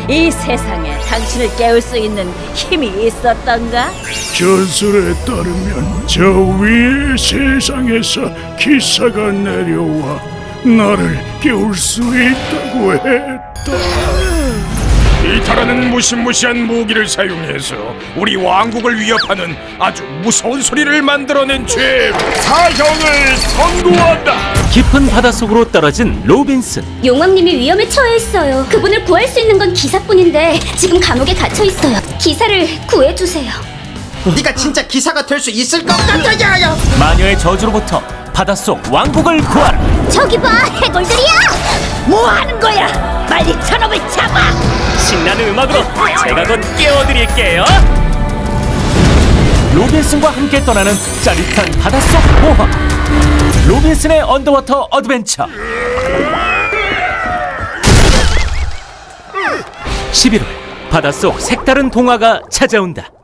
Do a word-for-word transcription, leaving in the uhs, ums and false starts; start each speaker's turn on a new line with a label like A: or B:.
A: 이 세상에 당신을 깨울 수 있는 힘이 있었던가?
B: 전설에 따르면 저 위의 세상에서 기사가 내려와 나를 깨울 수 있다고 했다.
C: 이타라는 무시무시한 무기를 사용해서 우리 왕국을 위협하는 아주 무서운 소리를 만들어낸 죄 사형을 선고한다.
D: 깊은 바닷속으로 떨어진 로빈슨.
E: 용왕님이 위험에 처해있어요. 그분을 구할 수 있는 건 기사뿐인데 지금 감옥에 gat혀있어요. 기사를 구해주세요.
F: 네가 진짜 기사가 될 수 있을 것 같아요.
D: 마녀의 저주로부터 바닷속 왕국을 구하라.
E: 저기 봐, 해골들이야!
A: 뭐 하는 거야? 빨리 저놈을 잡아!
D: 신나는 음악으로 제가 곧 깨워드릴게요. 로빈슨과 함께 떠나는 짜릿한 바닷속 모험. 로빈슨의 언더워터 어드벤처. 십일월 바닷속 색다른 동화가 찾아온다.